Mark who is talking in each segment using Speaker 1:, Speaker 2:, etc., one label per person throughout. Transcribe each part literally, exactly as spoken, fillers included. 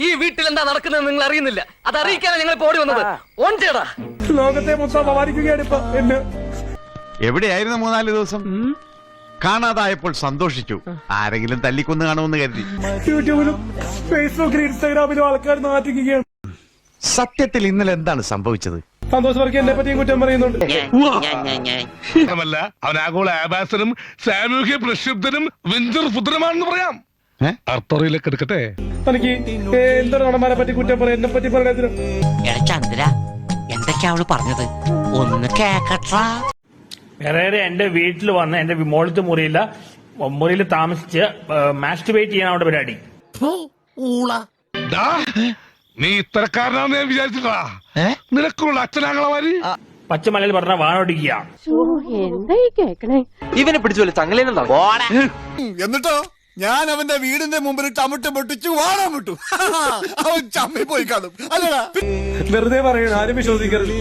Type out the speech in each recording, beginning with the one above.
Speaker 1: ഈ വീട്ടിൽ എന്താ നടക്കുന്നത് നിങ്ങൾ അറിയുന്നില്ല. അത് അറിയിക്കാനാണ് ഞങ്ങൾ ഓടി വന്നത്. ഓൺ ചെയ്യടാ.
Speaker 2: ലോകത്തെ മൊത്തം അപമാനിക്കുകയാണ് ഇപ്പൊ എന്നെ.
Speaker 3: എവിടെയായിരുന്നു മൂന്നാല് ദിവസം? കാണാതായപ്പോൾ സന്തോഷിച്ചു. ആരെങ്കിലും തല്ലിക്കൊന്ന് കാണുമെന്ന് കരുതി.
Speaker 2: യൂട്യൂബിലും ഫേസ്ബുക്കിലും ഇൻസ്റ്റാഗ്രാമിലും ആൾക്കാർ നാട്ടിക്കുകയാണ്.
Speaker 3: സത്യത്തിൽ ഇന്നലെ എന്താണ് സംഭവിച്ചത്?
Speaker 2: സന്തോഷ് വർക്കി എന്നെ പറ്റിയും കുറ്റം പറയുന്നുണ്ട്.
Speaker 4: അവൻ ആഗോള ആഭാസനും സാമൂഹ്യ പ്രക്ഷുബ്ധനും വെഞ്ചർ പുത്രമാണെന്ന് പറയാം. അർത്ഥറിയിലേക്ക് എടുക്കട്ടെ.
Speaker 2: തനിക്ക് എന്തൊരു നടന്മാരെ പറ്റി കുറ്റം പറയാം, എന്നെ പറ്റി പറയണതിന്.
Speaker 5: ചന്ദ്ര എന്തൊക്കെയാ അവള് പറഞ്ഞത് ഒന്ന് കേക്കട്ടാ.
Speaker 6: വേറെ എന്റെ വീട്ടിൽ വന്ന് എന്റെ മോളത്തെ മുറിയില്ല മുറിയിൽ താമസിച്ച് മാസ്റ്റുബേറ്റ് ചെയ്യാൻ അവിടെ പരിപാടി.
Speaker 4: നീ ഇത്തരക്കാരനാന്ന് ഞാൻ വിചാരിച്ചിട്ടാ. നിനക്കുള്ള അച്ഛനാങ്ങളമാര്
Speaker 6: പച്ചമലയിൽ പറഞ്ഞ വാണോടിക്കുക.
Speaker 1: ഇവനെ പിടിച്ചോലെ ചങ്ങലേനെ.
Speaker 7: എന്നിട്ടോ ഞാൻ അവന്റെ വീടിന്റെ മുമ്പിൽ ടമുട്ട് പൊട്ടിച്ചു വാടാൻ വിട്ടു. അവൻ ചമ്മി പോയി കാണും അല്ലടാ.
Speaker 2: വെറുതെ പറയണം, ആരും വിശ്വസിക്കരുത്.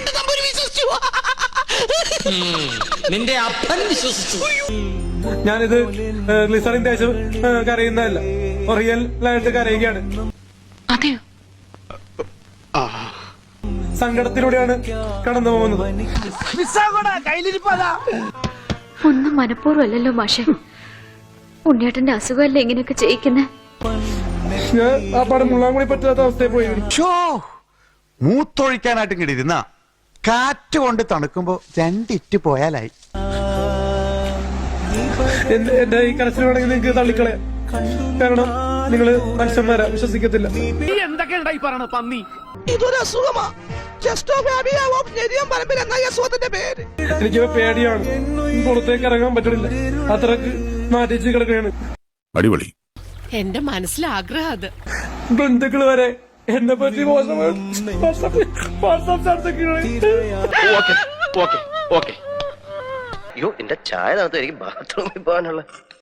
Speaker 1: നിന്റെ അപ്പൻ വിശ്വസിച്ചു.
Speaker 2: ഞാനിത് ഗ്ലിസറിൻ തേച്ച് കരയുന്നതല്ല, റിയൽ ആയിട്ട് കരയുകയാണ്. സങ്കടത്തിലൂടെയാണ് കടന്നു പോകുന്നത്.
Speaker 8: ഒന്നും മനഃപൂർവ്വമല്ലല്ലോ മാഷെ. ഉണ്ണിയേട്ടന്റെ അസുഖമല്ലേ ഇങ്ങനെയൊക്കെ ചെയ്യിക്കുന്നേ.
Speaker 2: ഞാൻ ആ പടം മുള്ളാൻ കൂടി പറ്റാത്ത അവസ്ഥയിൽ പോയി.
Speaker 3: മൂത്തൊഴിക്കാനായിട്ട് കിടിയിരുന്ന കാറ്റ് കൊണ്ട് തണുക്കുമ്പോ രണ്ടിറ്റ് പോയാലായി.
Speaker 2: എന്റെ ഈ കരച്ചിൽ വേണമെങ്കിൽ നിങ്ങൾക്ക് തള്ളിക്കളയാം, കാരണം നിങ്ങള് മനുഷ്യന്മാരാ, വിശ്വസിക്കത്തില്ല.
Speaker 7: ഇതൊരു അസുഖമാ.
Speaker 2: എനിക്ക് പേടിയാണ്, പുറത്തേക്ക് ഇറങ്ങാൻ പറ്റണില്ല, അത്രക്ക് മാറ്റിച്ച് കിടക്കുകയാണ്.
Speaker 7: അടിപൊളി.
Speaker 9: എന്റെ മനസ്സിൽ ആഗ്രഹം അത്.
Speaker 2: ബന്ധുക്കള് വരെ എന്നെ പറ്റി മോശം
Speaker 1: അയ്യോ എന്റെ ചായ തണുത്തു. എനിക്ക് ബാത്റൂമിൽ പോകാനുള്ള